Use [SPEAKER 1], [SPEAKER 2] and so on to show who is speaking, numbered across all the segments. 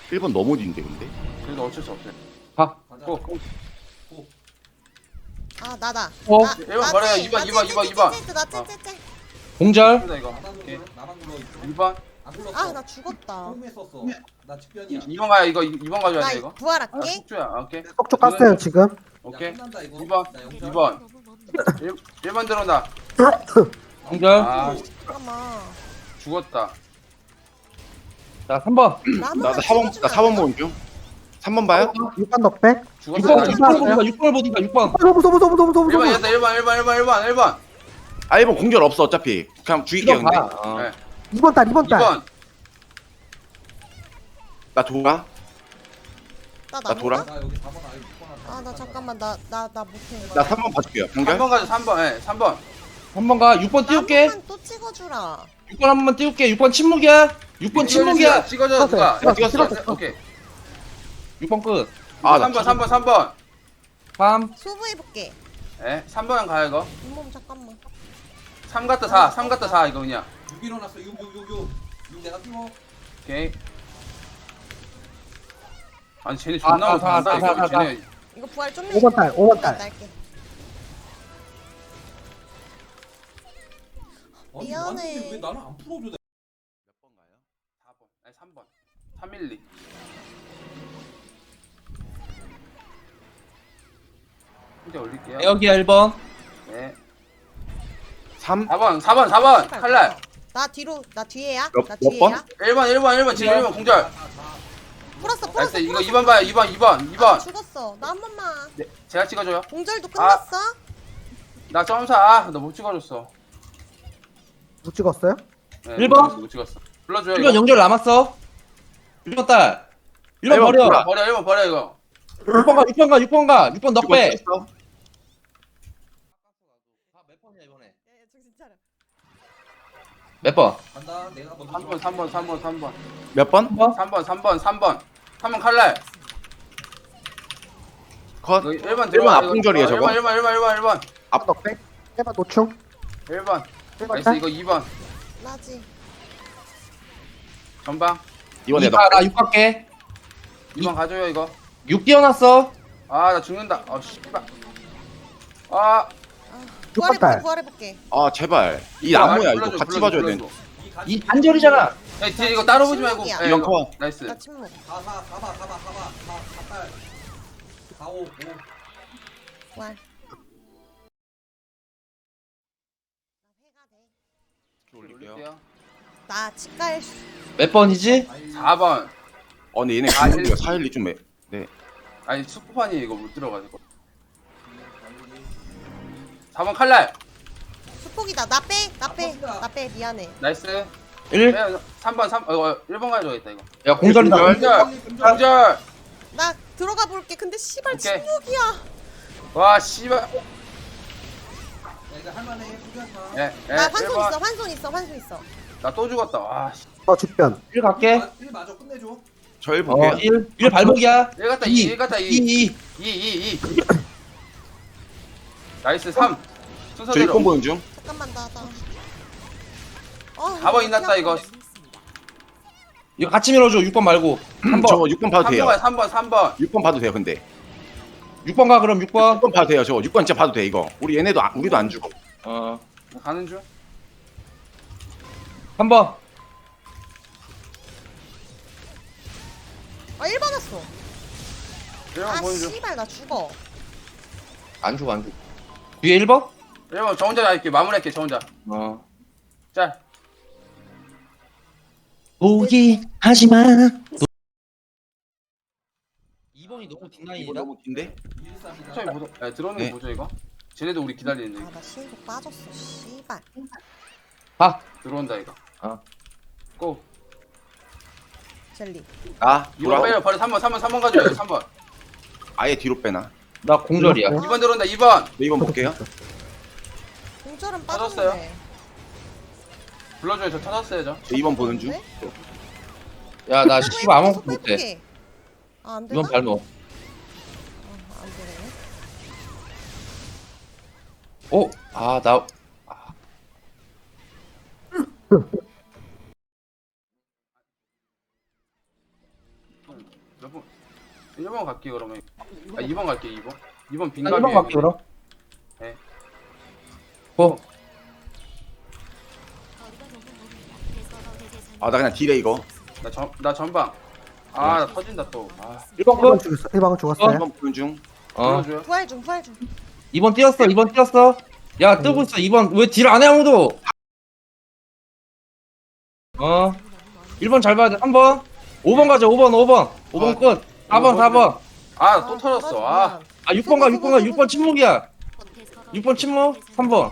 [SPEAKER 1] 1번 너무 뒤인데 근데.
[SPEAKER 2] 그래도 어쩔 수 없어요.
[SPEAKER 3] 가.
[SPEAKER 2] 고.
[SPEAKER 4] 아 나다.
[SPEAKER 3] 어?
[SPEAKER 4] 나,
[SPEAKER 2] 1번 버려요. 2번, 2번.
[SPEAKER 4] 나 찐찐찐.
[SPEAKER 3] 공절.
[SPEAKER 2] 이거 이거.
[SPEAKER 5] 나만
[SPEAKER 2] 오케이.
[SPEAKER 5] 불러. 나만 불러.
[SPEAKER 2] 2번.
[SPEAKER 5] 안 불렀어.
[SPEAKER 4] 아 나 죽었다.
[SPEAKER 5] 처음에 썼어. 나 직변이야.
[SPEAKER 2] 2번 가요. 이거 2번 가져야
[SPEAKER 4] 나
[SPEAKER 2] 돼 이거. 아,
[SPEAKER 4] 부활할게.
[SPEAKER 2] 숙주야. 오케이.
[SPEAKER 6] 속초 깠어요 지금.
[SPEAKER 2] 오케이.
[SPEAKER 5] 야, 끝난다 이거.
[SPEAKER 2] 2번.
[SPEAKER 5] 나 영절.
[SPEAKER 2] 2번. 1번 들어온다.
[SPEAKER 3] 공절.
[SPEAKER 2] 아,
[SPEAKER 4] 잠깐만.
[SPEAKER 2] 죽었다.
[SPEAKER 3] 자 3번.
[SPEAKER 1] 나 4번 보는 중. 3번 봐요?
[SPEAKER 6] 6번 넉백.
[SPEAKER 2] 죽었다.
[SPEAKER 3] 6번
[SPEAKER 2] 나
[SPEAKER 3] 6번을 보니까 6번.
[SPEAKER 6] 너무
[SPEAKER 2] 1번 얘다 1번.
[SPEAKER 1] 아 1번 공절 없어 어차피. 그냥 죽일게요 근데.
[SPEAKER 2] 네.
[SPEAKER 6] 2번 딸 2번 딸.
[SPEAKER 2] 2번.
[SPEAKER 1] 나 돌아.
[SPEAKER 4] 나
[SPEAKER 1] 돌아?
[SPEAKER 4] 나무가?
[SPEAKER 5] 나 여기 4번 아니 6번
[SPEAKER 4] 아 나 잠깐만 나 못해.
[SPEAKER 1] 나 3번 봐줄게요. 공절.
[SPEAKER 2] 3번 가자. 3번. 예. 3번.
[SPEAKER 3] 3번 가. 6번 띄울게.
[SPEAKER 4] 나무만 또 찍어주라.
[SPEAKER 3] 6번 한 번만 띄울게. 6번 침묵이야. 6번 침묵이야.
[SPEAKER 2] 찍어줘 누가.
[SPEAKER 6] 찍었어요.
[SPEAKER 2] 오케이.
[SPEAKER 3] 6번 끝.
[SPEAKER 1] 아, 나
[SPEAKER 2] 3번.
[SPEAKER 3] 3.
[SPEAKER 4] 소부해볼게.
[SPEAKER 2] 예. 3번 가요 이거.
[SPEAKER 4] 잇몸 잠깐만.
[SPEAKER 2] 3 갔다 4. 3 갔다 4 이거 그냥.
[SPEAKER 5] 6 일어났어. 6 내가 띄워.
[SPEAKER 2] 오케이. 아니 쟤네 존나 못한다 이거. 쟤네
[SPEAKER 4] 이거 부활 좀
[SPEAKER 6] 5번 딸 5번 딸.
[SPEAKER 4] 날게.
[SPEAKER 5] 아니,
[SPEAKER 4] 미안해.
[SPEAKER 5] 나한테 왜 나는 안 풀어줘?
[SPEAKER 2] 몇 번 가요? 4번. 아니 3번. 312. 이제 올릴게요.
[SPEAKER 3] 여기야 1번.
[SPEAKER 2] 네.
[SPEAKER 1] 3.
[SPEAKER 2] 4번. 칼날.
[SPEAKER 4] 나 뒤로 나 뒤에야.
[SPEAKER 1] 몇-
[SPEAKER 4] 나
[SPEAKER 1] 몇
[SPEAKER 4] 뒤에야.
[SPEAKER 2] 1번 지금 1번 공절.
[SPEAKER 4] 풀었어.
[SPEAKER 2] 나이스 이거 2번 봐요. 2번.
[SPEAKER 4] 아, 죽었어. 나 한 번만.
[SPEAKER 2] 네, 제가 찍어줘요.
[SPEAKER 4] 공절도 끝났어.
[SPEAKER 2] 나 점사. 너 못 찍어줬어.
[SPEAKER 6] 못 찍었어요?
[SPEAKER 2] 네,
[SPEAKER 3] 1번?
[SPEAKER 2] 못 찍었어. 불러줘요.
[SPEAKER 3] 1번 영절 남았어. 1번 딸. 1번 버려.
[SPEAKER 1] 몰라.
[SPEAKER 2] 버려 1번 버려 이거.
[SPEAKER 3] 6번 가. 6번 넉 빼. 몇 번이야 이번에?
[SPEAKER 4] 정신 차려.
[SPEAKER 3] 몇 번?
[SPEAKER 5] 간다. 내가 먼저
[SPEAKER 2] 3번.
[SPEAKER 1] 몇 번?
[SPEAKER 2] 3번 칼날.
[SPEAKER 1] 컷.
[SPEAKER 2] 1번
[SPEAKER 1] 1번
[SPEAKER 2] 들어와.
[SPEAKER 1] 앞공절이에요 저거.
[SPEAKER 2] 1번.
[SPEAKER 1] 앞
[SPEAKER 6] 넉백. 1번 노충.
[SPEAKER 2] 1번.
[SPEAKER 6] 1번
[SPEAKER 2] 나이스
[SPEAKER 6] 딸.
[SPEAKER 2] 이거 2번.
[SPEAKER 4] 나지.
[SPEAKER 2] 전방.
[SPEAKER 1] 이번에 너.
[SPEAKER 3] 나 6 갈게.
[SPEAKER 2] 2번 가줘요 이거.
[SPEAKER 3] 6 띄워놨어.
[SPEAKER 2] 아 나 죽는다. 아 씨발. 아.
[SPEAKER 6] 딸.
[SPEAKER 4] 부활해볼게.
[SPEAKER 1] 아 제발. 이 나무야 이거
[SPEAKER 2] 불러줘,
[SPEAKER 1] 같이
[SPEAKER 2] 불러줘,
[SPEAKER 1] 봐줘야 돼.
[SPEAKER 2] 불러줘.
[SPEAKER 3] 이 단절이잖아.
[SPEAKER 2] 야, 뒤에 이거 따로 보지 말고.
[SPEAKER 4] 침묵이야.
[SPEAKER 2] 예,
[SPEAKER 1] 이번
[SPEAKER 2] 이거.
[SPEAKER 1] 컷.
[SPEAKER 2] 나이스.
[SPEAKER 4] 나 침묵.
[SPEAKER 5] 4 딸. 4 5 5.
[SPEAKER 4] 부활.
[SPEAKER 2] 올릴게요.
[SPEAKER 4] 나 치갈.
[SPEAKER 3] 몇 번이지?
[SPEAKER 2] 4번.
[SPEAKER 1] 근데 얘네
[SPEAKER 2] 아,
[SPEAKER 1] 공격이가 412 좀 해. 네.
[SPEAKER 2] 아니 수포판이 이거 못 들어가지고. 4번 칼날.
[SPEAKER 4] 수폭이다. 나 빼.
[SPEAKER 5] 뻗다.
[SPEAKER 4] 나 빼. 미안해.
[SPEAKER 2] 나이스.
[SPEAKER 3] 1.
[SPEAKER 2] 3번 1번 가져야겠다 이거.
[SPEAKER 3] 야 공절이다.
[SPEAKER 2] 공절.
[SPEAKER 4] 나 들어가 볼게. 근데 씨발
[SPEAKER 2] 오케이.
[SPEAKER 4] 침묵이야.
[SPEAKER 2] 와 씨발.
[SPEAKER 5] 야 이거 할만해. 포기하지 마.
[SPEAKER 2] 예.
[SPEAKER 4] 나 환손 있어. 환손 있어.
[SPEAKER 2] 나 또 죽었다. 와. 씨.
[SPEAKER 6] 직변.
[SPEAKER 3] 1 갈게.
[SPEAKER 5] 1 마저 끝내줘.
[SPEAKER 1] 저 1 볼게요.
[SPEAKER 3] 1 발목이야.
[SPEAKER 2] 1 갔다 2.
[SPEAKER 3] 2.
[SPEAKER 2] 1 갔다 2.
[SPEAKER 3] 2.
[SPEAKER 2] 2. 나이스 3.
[SPEAKER 1] 저
[SPEAKER 2] 순서대로.
[SPEAKER 1] 6번 보는 중.
[SPEAKER 4] 잠깐만 나.
[SPEAKER 2] 4번 인났다 이거.
[SPEAKER 3] 이거 같이 밀어줘. 6번 말고. 3번.
[SPEAKER 1] 저거 6번 봐도 돼요.
[SPEAKER 2] 3번.
[SPEAKER 1] 6번 봐도 돼요 근데.
[SPEAKER 3] 6번 가 그럼 6번.
[SPEAKER 1] 6번 봐도 돼요 저거. 6번 진짜 봐도 돼 이거. 우리 얘네도 우리도 안 죽어.
[SPEAKER 2] 가는 중.
[SPEAKER 3] 3번.
[SPEAKER 4] 아 1번 왔어.
[SPEAKER 2] 1번
[SPEAKER 4] 아
[SPEAKER 2] 보는 중.
[SPEAKER 4] 씨발 나 죽어.
[SPEAKER 3] 안 죽어 안 죽어. 뒤에 1번?
[SPEAKER 2] 1번 저 혼자 할게. 마무리할게 저 혼자. 자.
[SPEAKER 3] 포기하지 마. 2번이 너무
[SPEAKER 1] 이거
[SPEAKER 3] 뒷라인이다.
[SPEAKER 1] 너무 긴데?
[SPEAKER 5] 113이다.
[SPEAKER 2] 천천히 보자. 들어오는
[SPEAKER 1] 네.
[SPEAKER 2] 거 보죠 이거. 쟤네도 우리 기다리는데.
[SPEAKER 4] 아 나 신속 빠졌어. 씨발.
[SPEAKER 3] 가.
[SPEAKER 2] 들어온다 이거. 고.
[SPEAKER 4] 젤리.
[SPEAKER 1] 아
[SPEAKER 2] 이번
[SPEAKER 1] 돌아.
[SPEAKER 2] 빼요. 바로 3번 가져요. 3번.
[SPEAKER 1] 아예 뒤로 빼나.
[SPEAKER 3] 나 공절이야.
[SPEAKER 2] 2번 들어온다. 2번.
[SPEAKER 1] 네 2번 볼게요.
[SPEAKER 4] 공절은
[SPEAKER 2] 빠졌어요.
[SPEAKER 4] 빠졌는데.
[SPEAKER 2] 불러줘요. 저 찾았어요 저.
[SPEAKER 1] 저 2번 보는 중.
[SPEAKER 3] 야 나 씨발 아무것도 못해.
[SPEAKER 4] 아안 되나?
[SPEAKER 3] 이건 발목.
[SPEAKER 4] 안 되네.
[SPEAKER 3] 어? 아 나.
[SPEAKER 2] 1번 갈게 그러면. 아 2번 갈게 2번. 2번
[SPEAKER 3] 나
[SPEAKER 2] 빈갑이.
[SPEAKER 3] 1번 갈게 그럼.
[SPEAKER 2] 네.
[SPEAKER 3] 고.
[SPEAKER 1] 아 나 그냥 딜해 이거.
[SPEAKER 2] 나 전방. 아 나 터진다 또. 아
[SPEAKER 3] 1번
[SPEAKER 6] 1번
[SPEAKER 3] 끝.
[SPEAKER 6] 죽였어. 1번은 죽었어요.
[SPEAKER 1] 1번 보는 중.
[SPEAKER 2] 불러줘요.
[SPEAKER 4] 부활 중 부활 중.
[SPEAKER 3] 2번 뛰었어. 2번 뛰었어. 야 뜨고 있어. 2번 왜 딜 안 해 아무도? 1번 잘 봐야 돼. 3번. 5번 가자. 5번. 5번 끝. 4번 4번.
[SPEAKER 2] 아 또 터졌어. 아.
[SPEAKER 3] 아 6번 가. 6번 가. 6번 침묵이야. 6번 침묵. 3번.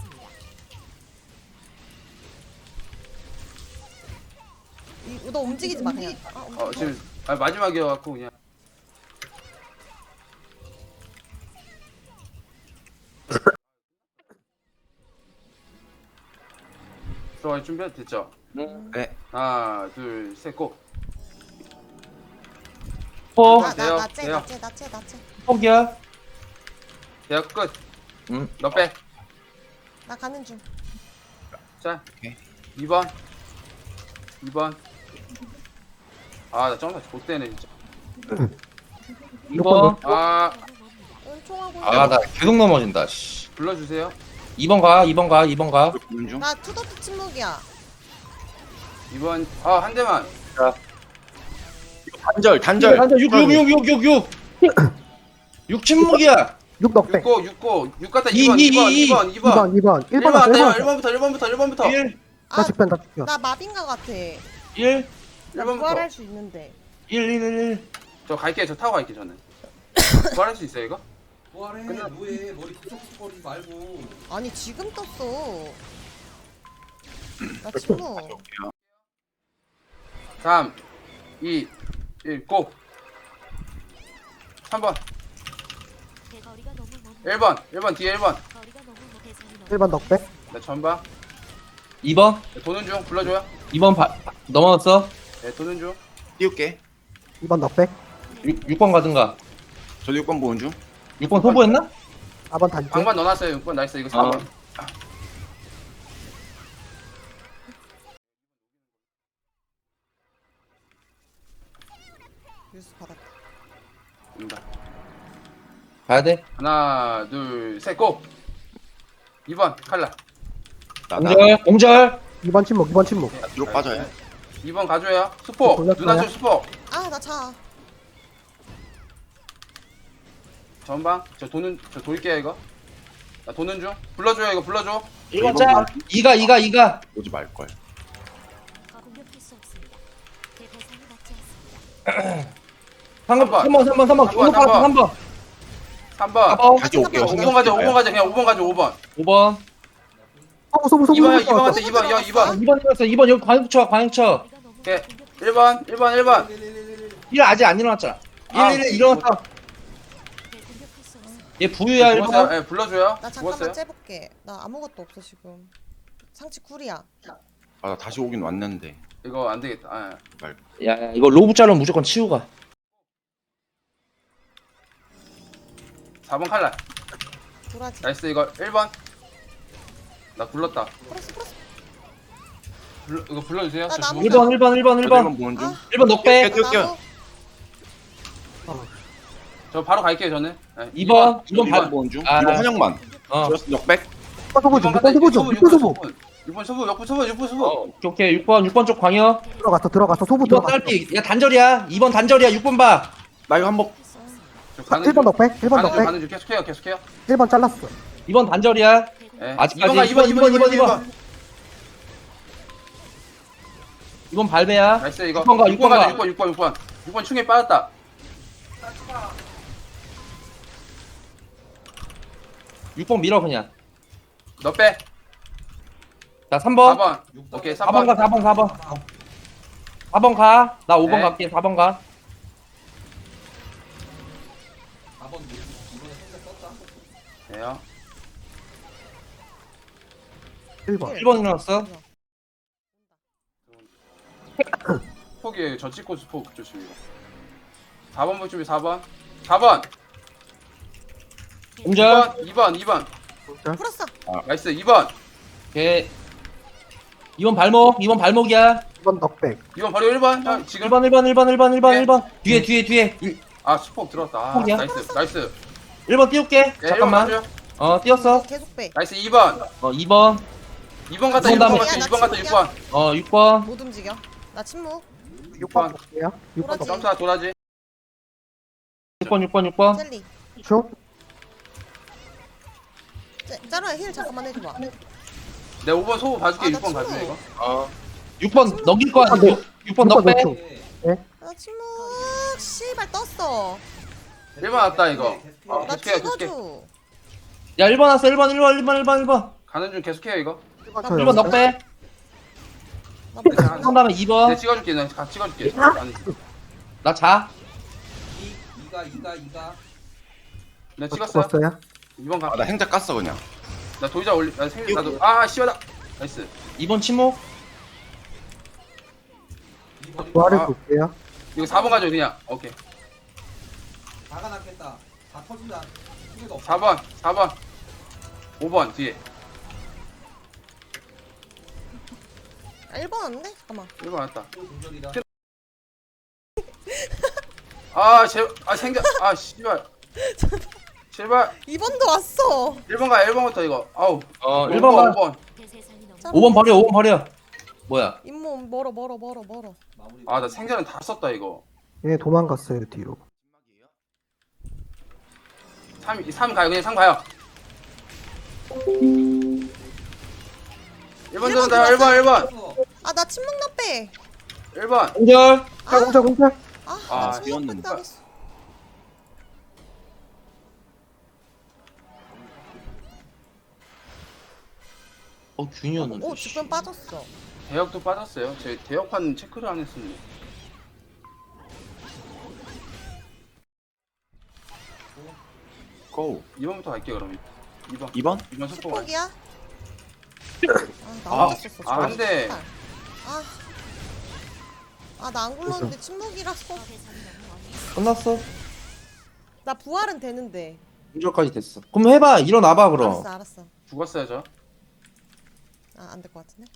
[SPEAKER 4] 너 움직이지 마 그냥.
[SPEAKER 2] 지금 마지막이어갖고 그냥. 들어갈 준비 됐죠?
[SPEAKER 1] 네.
[SPEAKER 2] 하나 둘셋 고.
[SPEAKER 3] 포.
[SPEAKER 2] 돼요,
[SPEAKER 4] 나나나째
[SPEAKER 2] 돼요.
[SPEAKER 4] 나째.
[SPEAKER 3] 포기야.
[SPEAKER 2] 대학 끝.
[SPEAKER 3] 응.
[SPEAKER 2] 너 빼.
[SPEAKER 4] 나 가는 중.
[SPEAKER 2] 자.
[SPEAKER 1] 오케이.
[SPEAKER 2] 2번. 아나 점사 좆대네 진짜.
[SPEAKER 3] 2번.
[SPEAKER 2] 아
[SPEAKER 4] 은총하고.
[SPEAKER 3] 아 나 계속 넘어진다. 씨.
[SPEAKER 2] 불러주세요.
[SPEAKER 3] 2번 가. 2번 가.
[SPEAKER 1] 보는 중.
[SPEAKER 4] 나 투더트 침묵이야.
[SPEAKER 2] 2번 한 대만.
[SPEAKER 1] 단절.
[SPEAKER 3] 한자 6 침묵이야.
[SPEAKER 6] 6 넉백.
[SPEAKER 2] 6 갔다
[SPEAKER 3] 이,
[SPEAKER 2] 2번
[SPEAKER 3] 이,
[SPEAKER 2] 2번
[SPEAKER 6] 2번. 1번
[SPEAKER 2] 1번
[SPEAKER 6] 왔어.
[SPEAKER 2] 갔다
[SPEAKER 6] 1번.
[SPEAKER 2] 1번부터
[SPEAKER 3] 1
[SPEAKER 6] 나 직변 다 죽여.
[SPEAKER 4] 나 마빈가 같아.
[SPEAKER 3] 1
[SPEAKER 4] 나
[SPEAKER 2] 1번부터.
[SPEAKER 4] 부활할 수 있는데.
[SPEAKER 3] 1
[SPEAKER 2] 저 갈게. 저 타고 갈게 저는. 부활할 수 있어요 이거?
[SPEAKER 5] 뭐하래 뭐해 머리 푸석푸석거리지 말고.
[SPEAKER 4] 아니 지금 떴어. 나 침묵.
[SPEAKER 2] 3 2 1 고. 3번 1번 뒤에 1번.
[SPEAKER 6] 1번 넉백.
[SPEAKER 2] 네 전방.
[SPEAKER 3] 2번.
[SPEAKER 2] 네, 도는 중 불러줘요.
[SPEAKER 3] 2번 넘어갔어.
[SPEAKER 2] 네 도는 중.
[SPEAKER 1] 띄울게.
[SPEAKER 6] 2번 넉백.
[SPEAKER 3] 6번 가든가.
[SPEAKER 1] 저도 6번 보는 중.
[SPEAKER 3] 6번 소부했나?
[SPEAKER 6] 4번 단지.
[SPEAKER 2] 방만 넣어놨어요 6번. 나이스 이거 4번.
[SPEAKER 4] 뉴스 받았다.
[SPEAKER 2] 입니다.
[SPEAKER 3] 가야 돼.
[SPEAKER 2] 하나 둘 셋 고. 2번 칼라.
[SPEAKER 1] 나다.
[SPEAKER 3] 공절.
[SPEAKER 6] 2번 침묵. 2번 침묵.
[SPEAKER 1] 뒤로 빠져요.
[SPEAKER 2] 2번 가줘요. 수포.
[SPEAKER 6] 돌렸어요?
[SPEAKER 2] 누나 쪽 수포.
[SPEAKER 4] 아 나 차.
[SPEAKER 2] 전방. 저 돌게요 이거. 나 도는 중. 불러줘요 이거 불러줘.
[SPEAKER 3] 1번 짜. 2가.
[SPEAKER 1] 오지 말걸.
[SPEAKER 3] 방금 3번.
[SPEAKER 2] 3번.
[SPEAKER 3] 4번.
[SPEAKER 1] 다시 올게요.
[SPEAKER 2] 5번 가자 5번 가자 그냥 5번 가자 5번.
[SPEAKER 3] 5번.
[SPEAKER 6] 소부.
[SPEAKER 2] 2번 갔다 2번 야 2번.
[SPEAKER 3] 2번 들었어. 2번 여기 광역쳐.
[SPEAKER 2] 오케이 1번
[SPEAKER 3] 1 아직 안 일어났잖아. 1 일어났어. 얘 부유야 1번.
[SPEAKER 2] 예 불러줘요.
[SPEAKER 4] 나 잠깐만
[SPEAKER 2] 죽었어요.
[SPEAKER 4] 째볼게. 나 아무것도 없어 지금. 상치 쿨이야.
[SPEAKER 1] 아 나 다시 오긴 왔는데.
[SPEAKER 2] 이거 안 되겠다. 아,
[SPEAKER 1] 말.
[SPEAKER 3] 야 이거 로브 자르면 무조건 치우 가.
[SPEAKER 2] 4번 칼라.
[SPEAKER 4] 도라지.
[SPEAKER 2] 나이스 이거 1번. 나 불렀다.
[SPEAKER 4] 풀었어.
[SPEAKER 2] 이거 불러주세요.
[SPEAKER 4] 나
[SPEAKER 2] 저
[SPEAKER 4] 나무
[SPEAKER 2] 죽었어요.
[SPEAKER 3] 1번.
[SPEAKER 1] 저도 1번 보는 중.
[SPEAKER 4] 아.
[SPEAKER 3] 1번 넉배.
[SPEAKER 1] 뛰어.
[SPEAKER 2] 저 바로 갈게요 저는. 네,
[SPEAKER 3] 2번
[SPEAKER 1] 2번
[SPEAKER 3] 반.
[SPEAKER 1] 보는 중.
[SPEAKER 3] 아.
[SPEAKER 1] 2번 환영만.
[SPEAKER 3] 어.
[SPEAKER 1] 저였어 역백.
[SPEAKER 6] 6번 소부 좀. 6번 소부 좀. 6번 소부.
[SPEAKER 2] 6번 소부, 6번 소부.
[SPEAKER 3] 오케이 6번 쪽 광역.
[SPEAKER 6] 들어갔어. 소부
[SPEAKER 3] 2번
[SPEAKER 6] 들어갔어.
[SPEAKER 3] 딸피. 야 단절이야. 2번 단절이야. 6번 봐.
[SPEAKER 1] 나 이거 한번
[SPEAKER 2] 저 가는
[SPEAKER 6] 1번 넉백. 1번
[SPEAKER 2] 가는 중,
[SPEAKER 6] 넉백.
[SPEAKER 2] 가는 중 계속해요.
[SPEAKER 6] 1번 잘랐어.
[SPEAKER 3] 2번 단절이야.
[SPEAKER 2] 예.
[SPEAKER 3] 아직까지
[SPEAKER 2] 2번.
[SPEAKER 3] 2번 발배야.
[SPEAKER 2] 나이스 이거.
[SPEAKER 3] 6번 가,
[SPEAKER 2] 6번 가자.
[SPEAKER 3] 6번
[SPEAKER 2] 6번 충에 빠졌다.
[SPEAKER 3] 6번 밀어 그냥.
[SPEAKER 2] 너 빼.
[SPEAKER 3] 자 3번.
[SPEAKER 2] 4번. 오케이
[SPEAKER 3] 4번 가
[SPEAKER 2] 3번.
[SPEAKER 3] 4번. 4번 가. 나 5번
[SPEAKER 2] 네.
[SPEAKER 3] 갈게. 4번 가.
[SPEAKER 5] 4번 이번에 성적 떴다.
[SPEAKER 2] 네요.
[SPEAKER 6] 1번.
[SPEAKER 3] 1번 일어났어.
[SPEAKER 2] 폭이에요. 저 찍고 스폭 조심 이거. 4번 볼 준비 4번. 4번.
[SPEAKER 3] 공절.
[SPEAKER 2] 2번.
[SPEAKER 4] 풀었어.
[SPEAKER 2] 나이스 2번.
[SPEAKER 3] 오케이. 2번 발목. 2번 발목이야.
[SPEAKER 6] 2번 넉백.
[SPEAKER 2] 2번 바로 1번. 형 지금
[SPEAKER 3] 1번.
[SPEAKER 2] 네.
[SPEAKER 3] 뒤에.
[SPEAKER 2] 아 스폭 들어왔다. 아,
[SPEAKER 3] 스폭이야?
[SPEAKER 2] 나이스.
[SPEAKER 3] 1번 띄울게.
[SPEAKER 2] 네,
[SPEAKER 3] 잠깐만.
[SPEAKER 2] 1번 가죠.
[SPEAKER 3] 어, 띄웠어.
[SPEAKER 4] 계속 빼.
[SPEAKER 2] 나이스 2번.
[SPEAKER 3] 2번.
[SPEAKER 2] 2번 갔다
[SPEAKER 3] 이번
[SPEAKER 2] 6번
[SPEAKER 3] 다음에.
[SPEAKER 2] 갔다
[SPEAKER 4] 야,
[SPEAKER 2] 6번 갔다
[SPEAKER 4] 나
[SPEAKER 2] 6번.
[SPEAKER 3] 6번.
[SPEAKER 4] 못 움직여. 나 침묵.
[SPEAKER 6] 6번 볼게요. 6번
[SPEAKER 4] 도라지.
[SPEAKER 2] 점사 도라지.
[SPEAKER 3] 6번.
[SPEAKER 4] 젤리.
[SPEAKER 6] 쭉.
[SPEAKER 4] 짜루야 힐 잠깐만 해줘봐.
[SPEAKER 2] 내 5번 소부 봐줄게.
[SPEAKER 4] 아, 나
[SPEAKER 2] 6번 봐줄게
[SPEAKER 4] 침묵.
[SPEAKER 2] 이거.
[SPEAKER 3] 6번 넘길 거야.
[SPEAKER 6] 아, 네.
[SPEAKER 3] 6번 너 빼.
[SPEAKER 4] 나 침묵. 씨발 떴어.
[SPEAKER 2] 1번 왔다 이거.
[SPEAKER 4] 나
[SPEAKER 2] 계속해.
[SPEAKER 4] 찍어줘.
[SPEAKER 3] 야, 1번 왔어. 1번.
[SPEAKER 2] 가는 중 계속해요 이거.
[SPEAKER 3] 1번 너 빼.
[SPEAKER 4] 나 못.
[SPEAKER 2] 네,
[SPEAKER 3] 한 다음에
[SPEAKER 2] 내
[SPEAKER 3] 2번.
[SPEAKER 2] 찍어줄게. 나 같이 찍어줄게. 아니,
[SPEAKER 3] 나 자.
[SPEAKER 5] 2가.
[SPEAKER 2] 내 찍었어.
[SPEAKER 6] 죽었어요.
[SPEAKER 2] 2번 가.
[SPEAKER 1] 나 행자 깠어 그냥.
[SPEAKER 2] 나 도의자 올리. 나 생일 나도. 아 씨발다. 나이스.
[SPEAKER 3] 2번 침묵.
[SPEAKER 6] 부활을
[SPEAKER 2] 아.
[SPEAKER 6] 볼게요.
[SPEAKER 2] 이거 4번 가져 그냥. 오케이.
[SPEAKER 5] 다가 났겠다. 다 터진다. 힘도 없어.
[SPEAKER 2] 4번. 5번 뒤에.
[SPEAKER 4] 1번 왔는데? 잠깐만.
[SPEAKER 2] 1번 왔다.
[SPEAKER 5] 또 동절이다.
[SPEAKER 2] 아 생겨. 아 씨발. 제발
[SPEAKER 4] 2번도 왔어.
[SPEAKER 2] 1번 가. 1번부터 이거. 아우.
[SPEAKER 3] 1번 가.
[SPEAKER 2] 5번.
[SPEAKER 3] 5번 버려. 5번 버려. 뭐야?
[SPEAKER 4] 잇몸 멀어.
[SPEAKER 5] 마무리.
[SPEAKER 2] 아 나 생전은 다 썼다 이거.
[SPEAKER 6] 얘 도망갔어요 뒤로.
[SPEAKER 2] 3 가요. 그냥 3 가요. 1번 들어온다. 1번.
[SPEAKER 4] 아 나 침묵 나 빼.
[SPEAKER 2] 1번.
[SPEAKER 3] 공절.
[SPEAKER 6] 공절.
[SPEAKER 2] 아,
[SPEAKER 4] 소유
[SPEAKER 1] 뛰었는데.
[SPEAKER 4] 당했어.
[SPEAKER 3] 균이었는데.
[SPEAKER 4] 오 주변 빠졌어.
[SPEAKER 2] 대역도 빠졌어요. 제 대역판 체크를 안 했습니다.
[SPEAKER 1] 고.
[SPEAKER 2] 2번부터 갈게요 그럼. 2번.
[SPEAKER 1] 2번?
[SPEAKER 2] 2번 속보 가.
[SPEAKER 4] 축복이야? 나
[SPEAKER 2] 아,
[SPEAKER 4] 혼났었어.
[SPEAKER 2] 아, 안 돼.
[SPEAKER 4] 나 안 굴렀는데 침묵이라서.
[SPEAKER 3] 끝났어.
[SPEAKER 4] 나 부활은 되는데.
[SPEAKER 3] 공절까지 됐어. 그럼 해봐. 일어나봐 그럼.
[SPEAKER 4] 알았어.
[SPEAKER 2] 죽었어요 저.
[SPEAKER 4] 안 될 것 같은데.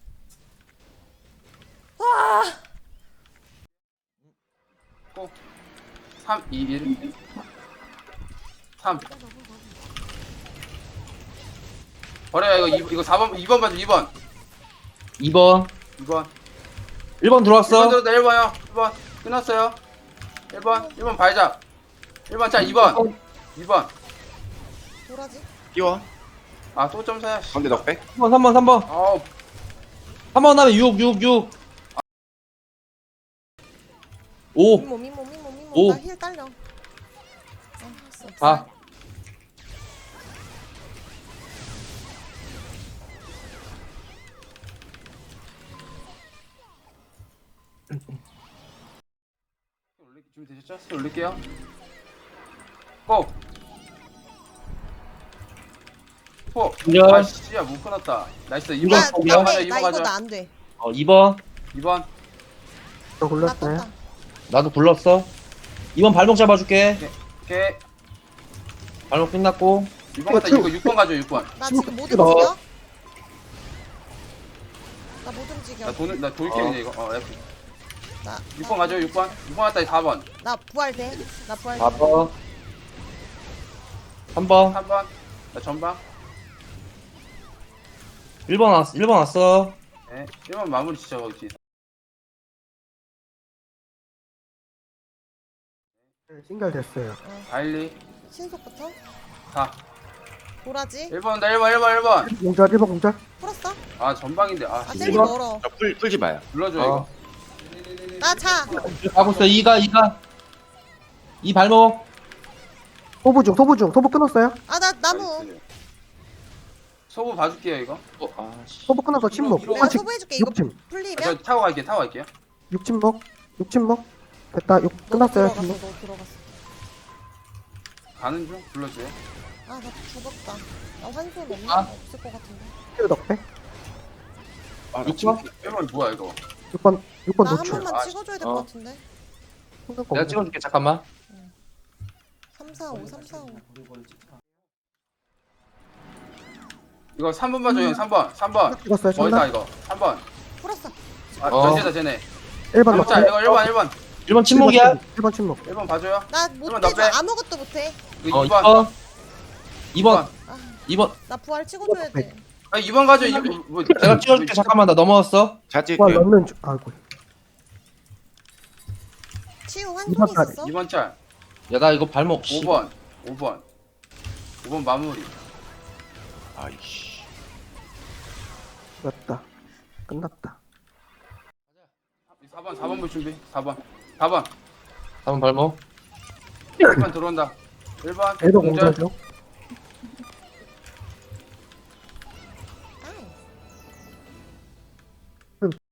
[SPEAKER 2] 3, 2, 1. 3. 버려요 이거 4번 2번 봐줘 2번.
[SPEAKER 3] 2번.
[SPEAKER 2] 2번.
[SPEAKER 3] 1번 들어왔어.
[SPEAKER 2] 1번 들었다 1번요. 1번. 끝났어요. 1번 발작. 1번 자 2번. 2번.
[SPEAKER 4] 도라지?
[SPEAKER 1] 띄워.
[SPEAKER 2] 아 또 점사야. 씨.
[SPEAKER 1] 가운데 넉백.
[SPEAKER 3] 3번.
[SPEAKER 2] 아우
[SPEAKER 3] 3번 다음에 6. 5.
[SPEAKER 4] 잇몸.
[SPEAKER 3] 오.
[SPEAKER 4] 나 힐 딸려. 했어.
[SPEAKER 3] 4.
[SPEAKER 2] 준비되셨죠? 스킬 올릴게요. 고! 포!
[SPEAKER 3] 공절.
[SPEAKER 2] 아 씨야 못 끊었다. 나이스 2번.
[SPEAKER 3] 공절.
[SPEAKER 4] 나
[SPEAKER 2] 2번 가자
[SPEAKER 4] 이거
[SPEAKER 2] 2번 가자.
[SPEAKER 4] 나 안 돼.
[SPEAKER 3] 2번.
[SPEAKER 2] 2번.
[SPEAKER 6] 저
[SPEAKER 4] 나
[SPEAKER 6] 굴렀어요.
[SPEAKER 4] 떴다.
[SPEAKER 3] 나도 불렀어. 2번 발목 잡아줄게.
[SPEAKER 2] 오케이.
[SPEAKER 3] 발목 끝났고.
[SPEAKER 2] 2번 갔다 이거 6번 가죠 6번.
[SPEAKER 4] 나 지금 못
[SPEAKER 6] 찍어.
[SPEAKER 4] 움직여. 나 못 움직여.
[SPEAKER 2] 나 돌게 그냥 이거. F.
[SPEAKER 4] 나
[SPEAKER 2] 6번 가죠 6번. 6번 갔다 4번.
[SPEAKER 4] 나 부활돼. 나 부활돼.
[SPEAKER 3] 4번. 3번.
[SPEAKER 2] 3번. 나 전방.
[SPEAKER 3] 1번 왔어.
[SPEAKER 2] 네. 1번 마무리 진짜 거기 뒤에.
[SPEAKER 6] 신결됐어요.
[SPEAKER 2] 바일리.
[SPEAKER 4] 신속부터.
[SPEAKER 2] 4.
[SPEAKER 4] 도라지.
[SPEAKER 2] 1번 다 1번.
[SPEAKER 6] 공절 1번 공절.
[SPEAKER 4] 풀었어?
[SPEAKER 2] 아 전방인데. 아
[SPEAKER 4] 아 젤리
[SPEAKER 3] 일번?
[SPEAKER 4] 멀어.
[SPEAKER 1] 자, 풀지 마요.
[SPEAKER 2] 불러줘
[SPEAKER 3] 어.
[SPEAKER 2] 이거.
[SPEAKER 4] 나 자.
[SPEAKER 3] 가고 있어. 2가. 2 발목.
[SPEAKER 6] 소부 끊었어요.
[SPEAKER 4] 아 나 나무.
[SPEAKER 2] 나이스. 소부 봐줄게요 이거.
[SPEAKER 3] 아씨.
[SPEAKER 6] 소부 끊어서 침묵.
[SPEAKER 4] 내가
[SPEAKER 6] 아직
[SPEAKER 4] 소부해줄게. 이거
[SPEAKER 6] 6침.
[SPEAKER 4] 풀리면.
[SPEAKER 2] 저 타고 갈게요.
[SPEAKER 6] 6침묵. 됐다. 6 끝났어요.
[SPEAKER 4] 들어갔어.
[SPEAKER 6] 침묵.
[SPEAKER 4] 너 들어갔어.
[SPEAKER 2] 가는 중 불러줘요.
[SPEAKER 4] 나 죽었다. 나 환손 없나?
[SPEAKER 3] 아.
[SPEAKER 4] 없을 것 같은데.
[SPEAKER 6] 힐 넉백.
[SPEAKER 1] 아, 나
[SPEAKER 3] 6번?
[SPEAKER 2] 1번 뭐야 이거.
[SPEAKER 6] 6번
[SPEAKER 4] 나 한
[SPEAKER 6] 노출.
[SPEAKER 4] 번만
[SPEAKER 2] 아,
[SPEAKER 4] 찍어줘야 될
[SPEAKER 3] 어.
[SPEAKER 4] 것 같은데.
[SPEAKER 3] 내가 찍어줄게. 잠깐만.
[SPEAKER 4] 3, 4, 5, 3, 4, 5.
[SPEAKER 2] 이거 3번 봐줘 형 3번.
[SPEAKER 6] 찍었어요.
[SPEAKER 2] 멀다
[SPEAKER 6] 참나.
[SPEAKER 2] 이거. 3번.
[SPEAKER 4] 풀었어.
[SPEAKER 2] 아
[SPEAKER 3] 어.
[SPEAKER 2] 전체다 쟤네.
[SPEAKER 6] 1번
[SPEAKER 2] 자
[SPEAKER 6] 넉백.
[SPEAKER 2] 이거 1번.
[SPEAKER 3] 1번 침묵이야.
[SPEAKER 6] 1번 침묵.
[SPEAKER 2] 1번 봐줘요.
[SPEAKER 4] 나
[SPEAKER 2] 그러면
[SPEAKER 4] 못해.
[SPEAKER 2] 너 빼.
[SPEAKER 4] 아무것도 못해.
[SPEAKER 2] 이거
[SPEAKER 3] 어
[SPEAKER 2] 2번.
[SPEAKER 3] 2번. 2번.
[SPEAKER 4] 나 부활 찍어줘야 돼.
[SPEAKER 2] 아 2번 가져. 뭐,
[SPEAKER 3] 내가 찍어줄게. 잠깐만 나 넘어왔어.
[SPEAKER 1] 잘
[SPEAKER 6] 와
[SPEAKER 1] 찍을게요.
[SPEAKER 6] 넣는 중. 아이고.
[SPEAKER 4] 치유
[SPEAKER 6] 이번
[SPEAKER 4] 환송이
[SPEAKER 6] 달에.
[SPEAKER 4] 있었어?
[SPEAKER 2] 2번 짤.
[SPEAKER 3] 야 나 이거 발목.
[SPEAKER 2] 5번. 5번 마무리.
[SPEAKER 1] 아이씨.
[SPEAKER 6] 끝났다. 끝났다.
[SPEAKER 2] 4번 볼 준비. 4번. 4번.
[SPEAKER 3] 3번 발목.
[SPEAKER 2] 1번 들어온다. 1번.
[SPEAKER 6] 애도
[SPEAKER 2] 공절.
[SPEAKER 6] 공절 중.